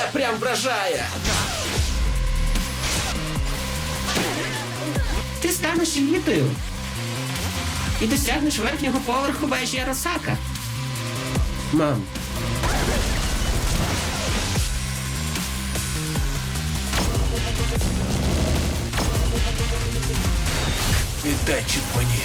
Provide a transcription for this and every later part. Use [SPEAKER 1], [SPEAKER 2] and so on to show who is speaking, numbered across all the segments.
[SPEAKER 1] прям вражає.
[SPEAKER 2] Ти станеш елітою і досягнеш верхнього поверху вежі Арасака.
[SPEAKER 1] Мам. Віддай чіп мені.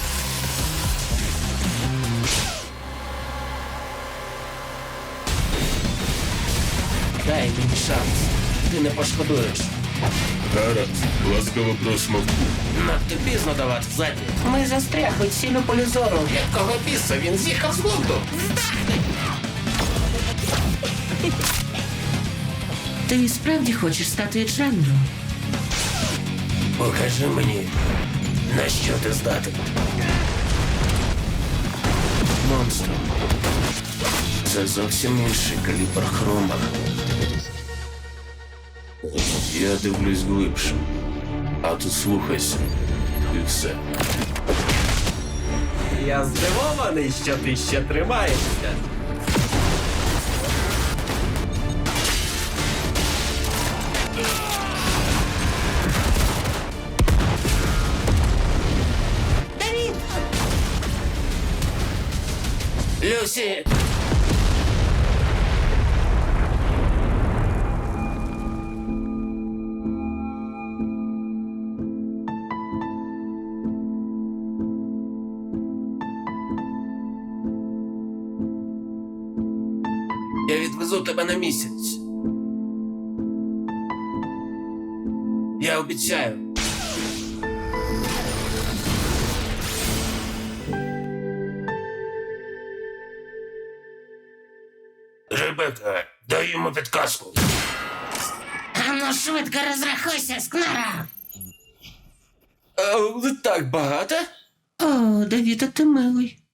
[SPEAKER 1] Дай мені шанс. Ти не пошкодуєш.
[SPEAKER 3] Гаразд, ласкаво просимо.
[SPEAKER 1] Надто пізно давати задні.
[SPEAKER 2] Ми застрягли цілю полі зору.
[SPEAKER 1] Якого біса він з'їхав з глузду?
[SPEAKER 2] Ти справді хочеш стати Дженро?
[SPEAKER 1] Покажи мені, на що ти здатен. Монстр. Це зовсім інший калібр хрома. Я дивлюсь глибше, а ти слухайся. І все. Я здивований, що ти ще тримаєшся.
[SPEAKER 2] Давід!
[SPEAKER 1] Люсі! Я відвезу тебе на місяць. Я обіцяю. Ребека, дай йому підказку.
[SPEAKER 2] Ану швидко розрахуйся, Скнара!
[SPEAKER 1] Так багато?
[SPEAKER 2] О, Давіда, ти милий.